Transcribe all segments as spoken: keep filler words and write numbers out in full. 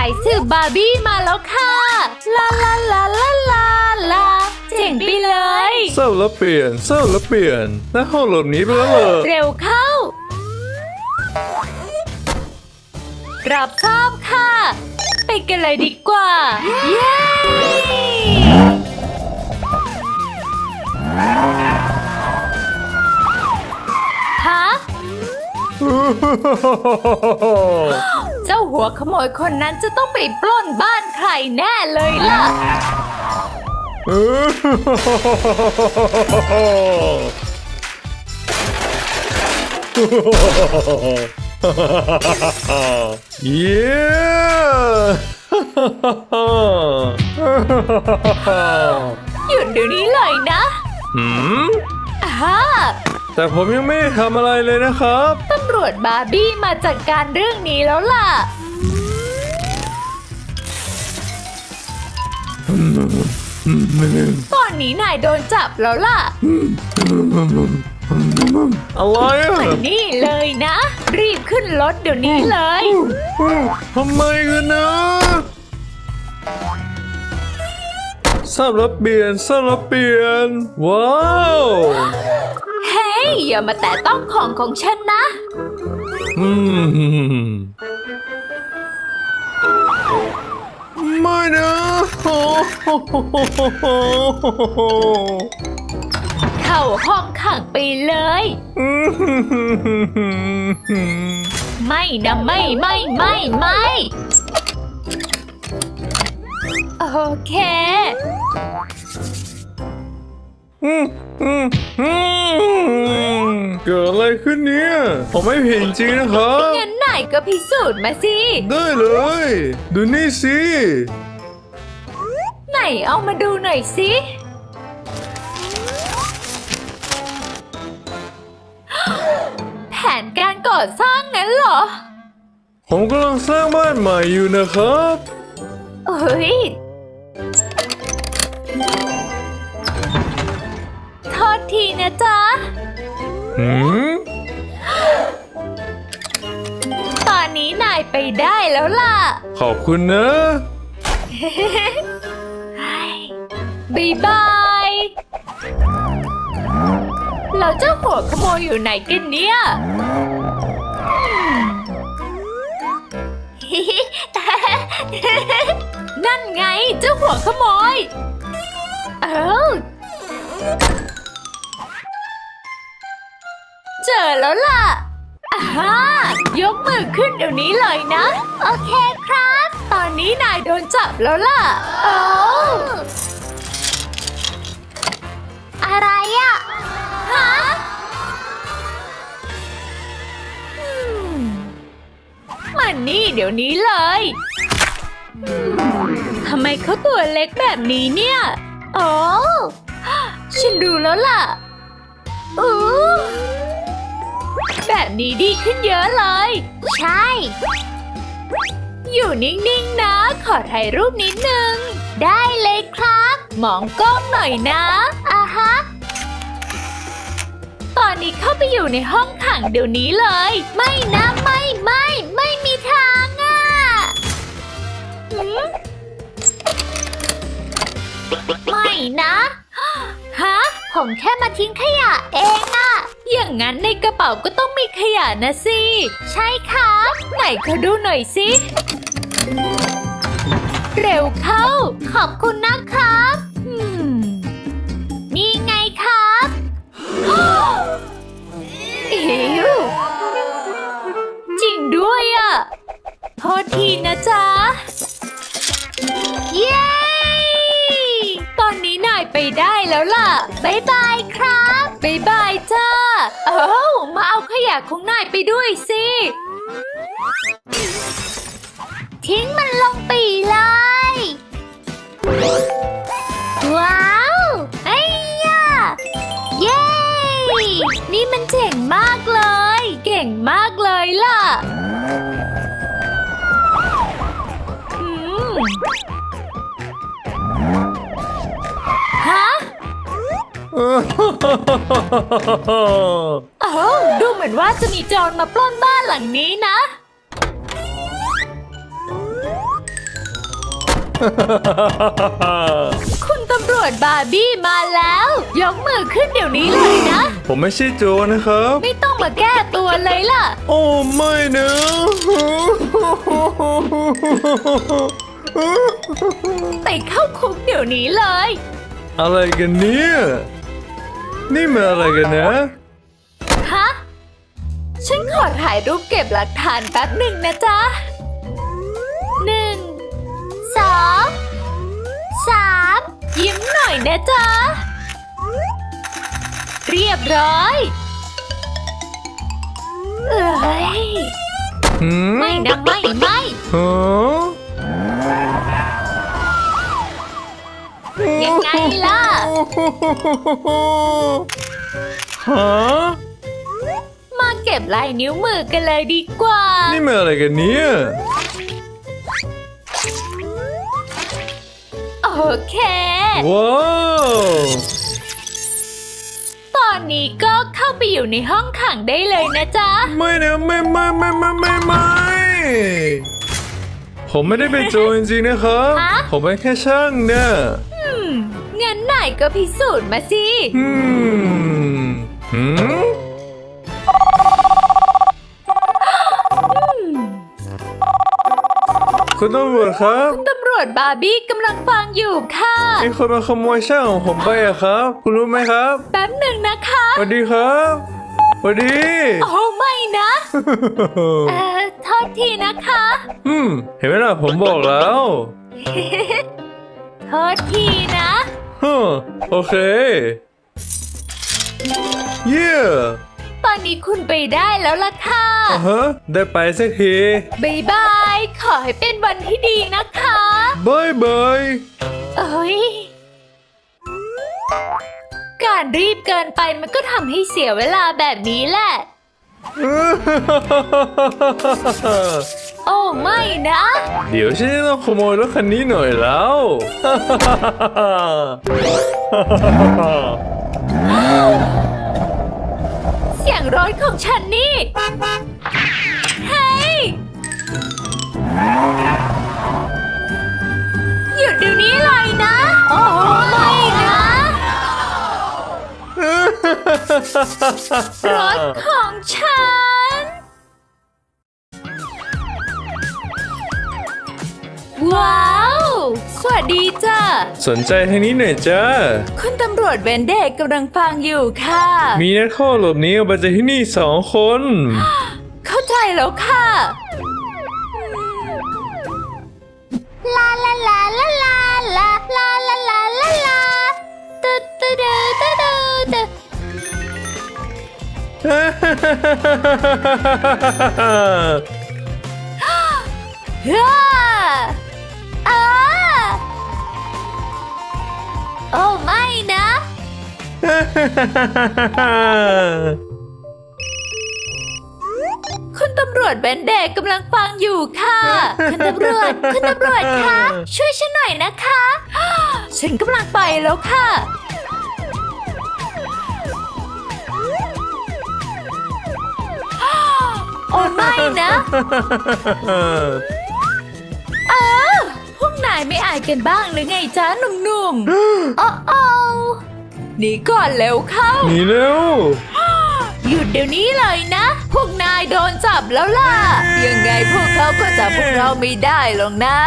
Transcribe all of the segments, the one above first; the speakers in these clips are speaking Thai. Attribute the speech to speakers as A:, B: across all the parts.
A: ายสืบบาร์บี้มาแล้วค่ะลาลาลาลาลาลาเจ๋งไปเลย
B: เศร้าแล้วเปลี่ยนเศร้าแล้วเปลี่ยนและห้องหลบหนีไปแล้วเหรอ
A: เร็วเข้า รับทราบค่ะ ไปกันเลยดีกว่า เย้ฮะ เจ้าหัวขโมยคนนั้นจะต้องไปปล้นบ้านใครแน่เลยล่ะ
B: เย้
A: หยุดเดี๋ยวนี้เลยนะ
B: หืม
A: ฮ่า
B: แต่ผมยังไม่ได้ทำอะไรเลยนะครับ
A: ตำรวจบาร์บี้มาจัดการเรื่องนี้แล้วล่ะ ตอนนี้นายโดนจับแล้วล่ะ
B: อะไรอ่ะ
A: มันนี่เลยนะ รีบขึ้นรถเดี๋ยวนี้เลย
B: ทำไมกันนะทราบแล้วเปลี่ยนทราบแล้วเปลี่ยนว้าว
A: เฮ้ย อย่ามาแตะต้องของของฉันนะ
B: อืมไม่นะโอ้โห
A: เข้าห้องขังไปเลย ไม่นะไม่ไม่ไม่ไม่โอเค
B: อืมอืมอืมเกิดอะไรขึ้นเนี่ยผมไม่ผิดจริงนะครับ
A: งั้นนายก็พิสูจน์มาสิ
B: ได้เลย ดูนี่สิ
A: ไหนเอามาดูหน่อยสิ แผนการก่อสร้างงั้นเหรอ
B: ผมกำลังสร้างบ้านใหม่อยู่นะครับ
A: เฮ้ย โทษทีนะจ๊ะ
B: หืม
A: ตอนนี้นายไปได้แล้วล่ะ
B: ขอบคุณนะ
A: บายบายแล้วเจ้าหัวขโมยอยู่ไหนกันเนี่ย นั่นไงเจ้าหัวขโมย เอ้าเจอแล้วล่ะอ่าฮะยกมือขึ้นเดี๋ยวนี้เลยนะ โอเคครับ ตอนนี้นายโดนจับแล้วล่ะโอ้อะไรอะฮะอืมมันนี่เดี๋ยวนี้เลยอืมทำไมเขาตัวเล็กแบบนี้เนี่ยโอ้ฉันรู้แล้วล่ะอู้แบบนี้ดีขึ้นเยอะเลย ใช่ อยู่นิ่งๆนะ ขอถ่ายรูปนิดนึง ได้เลยครับ มองกล้องหน่อยนะอ่าฮะ ตอนนี้เข้าไปอยู่ในห้องขังเดี๋ยวนี้เลย ไม่นะไม่ไม่ไม่มีทางอ่ะหืมไม่นะ ฮะ ผมแค่มาทิ้งขยะเองอะอย่างนั้นในกระเป๋าก็ต้องมีขยะนะสิ ใช่ครับไหนขอดูหน่อยสิ เร็วเข้า ขอบคุณนะครับอืมนี่ไงครับอิ๋วจริงด้วยอะโทษทีนะจ๊ะ เย้ ตอนนี้นายไปได้แล้วล่ะ บ๊ายบายครับ บ๊ายบายจ้า เอ้ามาเอาขยะของนายไปด้วยสิ ทิ้งมันลงไปเลย ว้าวไอ้ยะเย้ นี่มันเจ๋งมากเลย เก่งมากเลยล่ะอืมฮะ เอ้าดูเหมือนว่าจะมีโจรมาปล้นบ้านหลังนี้นะคุณตำรวจบาร์บี้มาแล้ว ยกมือขึ้นเดี๋ยวนี้เลยนะ
B: ผมไม่ใช่โจรนะครับ
A: ไม่ต้องมาแก้ตัวเลยล่ะ
B: โอ้ไม่นะ
A: ไปเข้าคุกเดี๋ยวนี้เลย
B: อะไรกันเนี่ยนี่มันอะไรกันนะ
A: ฮะ ฉันขอถ่ายรูปเก็บหลักฐานแป๊บหนึ่งนะจ๊ะ หนึ่ง สอง สาม ยิ้มหน่อยนะจ๊ะ เรียบร้อย เอ้ย
B: หืม
A: ไม่นะไม่ไม่
B: ฮะ
A: ยังไงล่ะ
B: ฮะ
A: มาเก็บลายนิ้วมือกันเลยดีกว่า
B: นี่มันอะไรกันเนี่ย
A: โอเค
B: ว้าว
A: ตอนนี้ก็เข้าไปอยู่ในห้องขังได้เลยนะจ๊ะ
B: ไม่นะไม่ไม่ไม่ไม่ไม่ไม่ผมไม่ได้เป็นโจรจริงๆนะครับ
A: ฮะ
B: ผมเป็นแค่ช่างนะ
A: อืมงั้นไหนก็พิสูจน์มาสิ
B: อืมหืมคุณตำรวจครับ
A: ตำรวจบาร์บี้กำลังฟังอยู่ค่ะ
B: มีคนมาขโมยช่างของผมไปอะครับ คุณรู้ไหมครับ
A: แป๊บหนึ่งนะคะ
B: สวัสดีครับสวัสดี
A: โอ้ไม่นะ เอ่อโทษทีนะคะ
B: อืมเห็นไหมล่ะผมบอกแล้ว
A: โทษทีนะ
B: ฮึมโอเค เยี่ย
A: ตอนนี้คุณไปได้แล้วล่ะค่ะ
B: อ่าฮะได้ไปสักที
A: บายบาย ขอให้เป็นวันที่ดีนะคะ
B: บายบาย
A: เอ้ย การรีบเกินไปมันก็ทำให้เสียเวลาแบบนี้แหละ โอ้ไม่นะ
B: เดี๋ยวฉันจะต้องขโมยรถคันนี้หน่อยแล้ว
A: เสียงรถของฉันนี่ เฮ้ย หยุดเดี๋ยวนี้เลยนะ โอ้ไม่นะ รถของฉัน ว้าว สวัสดีจ้ะ
B: สนใจทางนี้หน่อยจ้า
A: คุณตำรวจเวนเดกกำลังฟังอยู่ค่ะ
B: มีนักโทษหลบหนีออกมาจากที่นี่สองคน
A: เข้าใจแล้วค่ะ ลาลาลาลาลาลาลาลาลาลาลาตึ๊ดตึ๊ดตึ๊ดตึ๊ดฮ่าอ่าโอ้ไม่นะ คุณตำรวจเบนเดกกำลังฟังอยู่ค่ะ คุณตำรวจ คุณตำรวจคะ ช่วยฉันหน่อยนะคะ ฉันกำลังไปแล้วค่ะ โอ้ไม่นะเออพวกนายไม่อายกันบ้างหรือไงจ๊ะหนุ่มๆ โอ้โอ้หนีก่อนเร็วเข้า
B: หนีเร็ว
A: หยุดเดี๋ยวนี้เลยนะ พวกนายโดนจับแล้วล่ะ ยังไงพวกเขาก็จับพวกเราไม่ได้หรอกนะ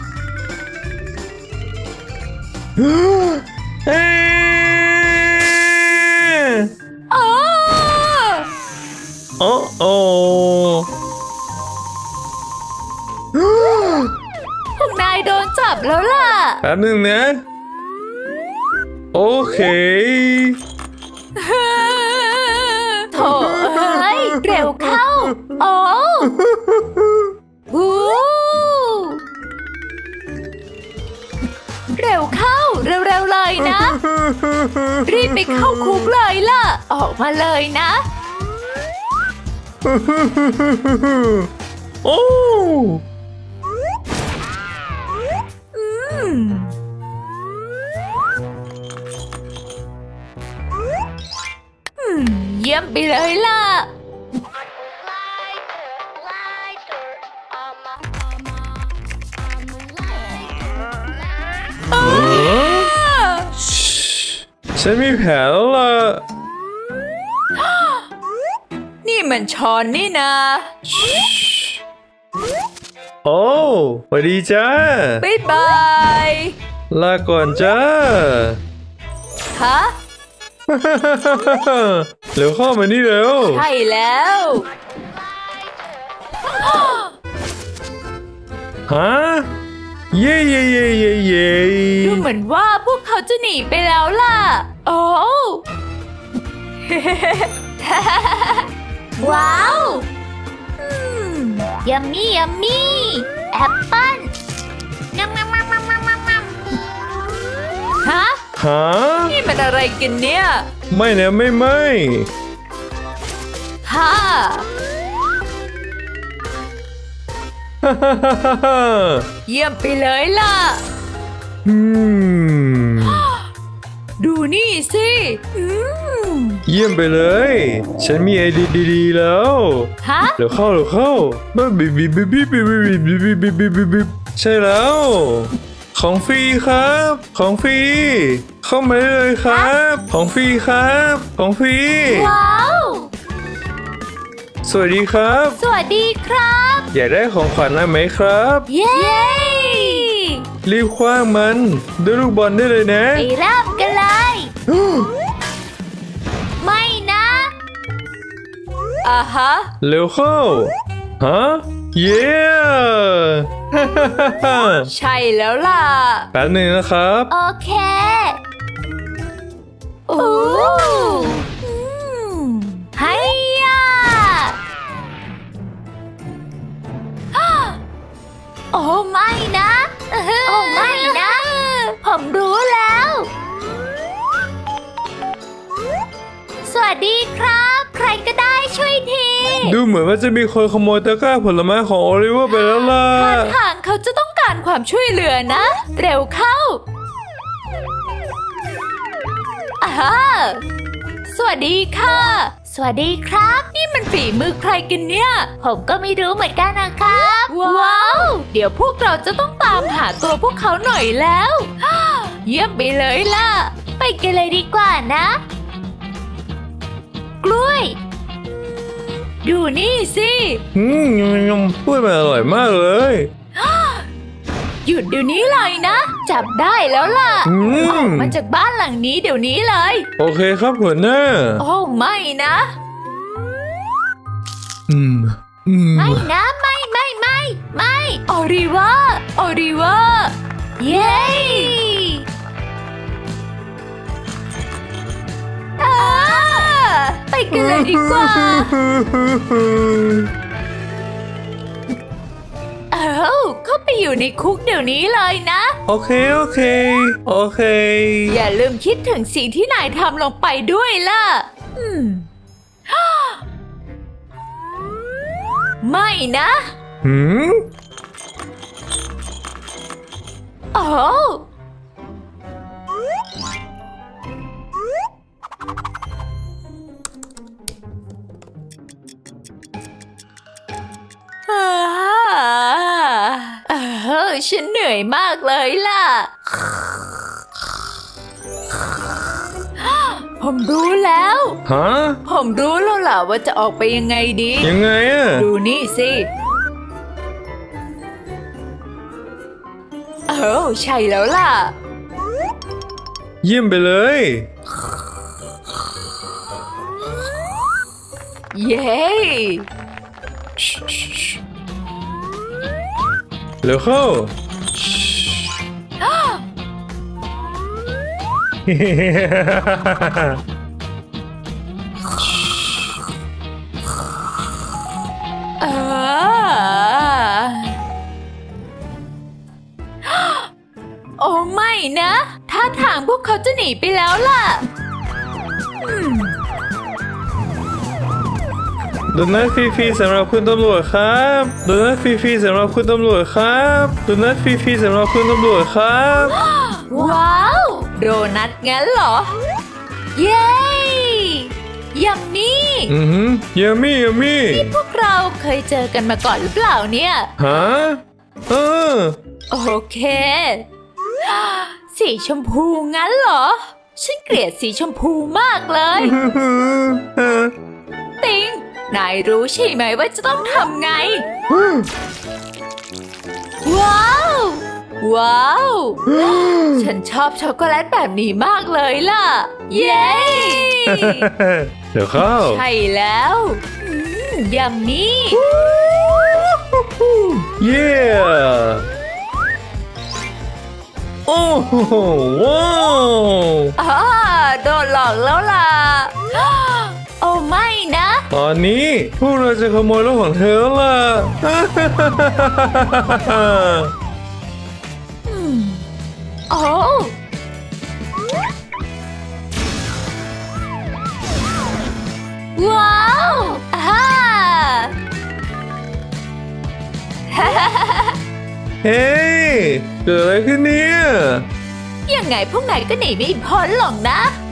B: เอ้ย
A: โอ้
B: โอ้โอ้
A: พวกนายโดนจับแล้วล่ะ
B: แป๊บหนึงนะ โอเค
A: โถ่เอ้ยเร็วเข้า โอ้หูเร็วเข้า เร็วๆเลยนะ รีบไปเข้าคุกเลยล่ะ ออกมาเลยนะ
B: โอ้
A: อืม อืม เยี่ยมไปเลยล่ะ
C: I'm a lighter, I'm a, I'm a, I'm a lighter.
B: ฉันมีแผนแล้วล่ะ
A: นี่มันช้อนนี่นะ
B: โอ้สวัสดีจ้า
A: บ๊ายบาย
B: ลาก่อนจ้า
A: ฮะ
B: เร็วเข้ามานี่เร็ว
A: ใช่แล้ว
B: ฮะ เย่เย่เย่เย่เย่
A: ดูเหมือนว่าพวกเขาจะหนีไปแล้วล่ะ โอ้ ว้าวยัมมี่ยัมมี่แอปเปิ้ลงำงำงำงำงำงำฮะ
B: ฮะ
A: นี่มันอะไรกันเนี่ย
B: ไม่นะไม่ไม่
A: ฮ่า
B: ฮ่าฮ่าฮ่าฮ่าฮ่า
A: เยี่ยมไปเลยล่ะ
B: อืม
A: ดูนี่สิอืม
B: เยี่ยมไปเลย ฉันมีไอเดียดีๆแล้ว
A: ฮะ
B: เดี๋ยวเข้าเดี๋ยวเข้าบ้าบิบบิบบิบบิบบิบบิบบิบบิบบิบบิบบิบใช่แล้ว ของฟรีครับ ของฟรี เข้ามาได้เลยครับ ของฟรีครับ ของฟรี
A: ว้าว
B: สวัสดีครับ
A: สวัสดีครับ
B: อยากได้ของขวัญอะไรไหมครับ
A: เย้
B: รีบคว้างมันด้วยลูกบอลได้เลยนะ
A: ไปเริ่มกันเลย ไม่นะอ่าฮะ
B: เร็วเข้า ฮะ เย้
A: ใช่แล้วล่ะ
B: แป๊บหนึ่งนะครับ
A: โอเค โอ้อืมไฮยาโอ้ไม่นะ โอ้ไม่นะ ผมรู้แล้ว สวัสดีครับ ใครก็ได้ช่วยที
B: ดูเหมือนว่าจะมีคนขโมยตะกร้าผลไม้ของโอลิเวอร์ไปแล้วล่ะ
A: ท่าทางเขาจะต้องการความช่วยเหลือนะ เร็วเข้าอ่าฮะสวัสดีค่ะ สวัสดีครับ นี่มันฝีมือใครกันเนี่ย ผมก็ไม่รู้เหมือนกันนะครับ ว้าว เดี๋ยวพวกเราจะต้องตามหาตัวพวกเขาหน่อยแล้ว เยี่ยมไปเลยล่ะ ไปกันเลยดีกว่านะ กล้วย ดูนี่สิ
B: อืมยำยำพูดมันอร่อยมากเลย
A: หยุดเดี๋ยวนี้เลยนะ จับได้แล้วล่ะ
B: อื
A: ออก
B: ม
A: มาจากบ้านหลังนี้เดี๋ยวนี้เลย
B: โอเคครับหัวหน้า
A: โอ้ไม่นะ
B: อืม อืม
A: ไม่นะไม่ไม่ไม่ไม่ออริวาออริวาเย้อ่าไปกันเลยดีกว่า เอ้าเข้าไปอยู่ในคุกเดี๋ยวนี้เลยนะ
B: โอเค โอเค โอเค
A: อย่าลืมคิดถึงสิ่งที่นายทำลงไปด้วยล่ะ อืม ไม่นะ
B: หืม
A: โอ้อ่าเออฉันเหนื่อยมากเลยล่ะ ผมรู้แล้ว
B: ฮะ
A: ผมรู้แล้วล่ะว่าจะออกไปยังไงดี
B: ยังไงอะ
A: ดูนี่สิเออใช่แล้วล่ะ
B: เยี่ยมไปเลย
A: เย้
B: เร็วเข้า
A: เออโอ้ไม่นะท่าทางพวกเขาจะหนีไปแล้วล่ะอืม
B: โดนัทฟรีๆสำหรับคุณตำรวจครับโดนัทฟรีๆสำหรับคุณตำรวจครับโดนัทฟรีๆสำหรับคุณตำรวจครับ
A: ว้าว โดนัทงั้นเหรอ เย้ยัมมี่
B: อือหือยามี่ยามี่
A: พวกเราเคยเจอกันมาก่อนหรือเปล่าเนี่ย
B: ฮะเออ
A: โอเค สีชมพูงั้นเหรอฉันเกลียดสีชมพูมากเลย ติง นายรู้ใช่ไหมว่าจะต้องทำไง ว้าว ว้าว ฉันชอบช็อกโกแลตแบบนี้มากเลยล่ะ เย้
B: เดี๋ยวเข้า
A: ใช่แล้วอืมยัมมี่
B: เย้โอ้โหว้าว
A: อ่าโดนหลอกแล้วล่ะ โอ้ไม่นะ
B: ตอนนี้พวกเราจะขโมยรถของเธอแล้วล่ะ
A: โอ้ว้าวอ่า
B: เฮ้ยเกิดอะไรขึ้นเนี่ย
A: ยังไงพวกนายก็หนีไม่พ้นหรอกนะ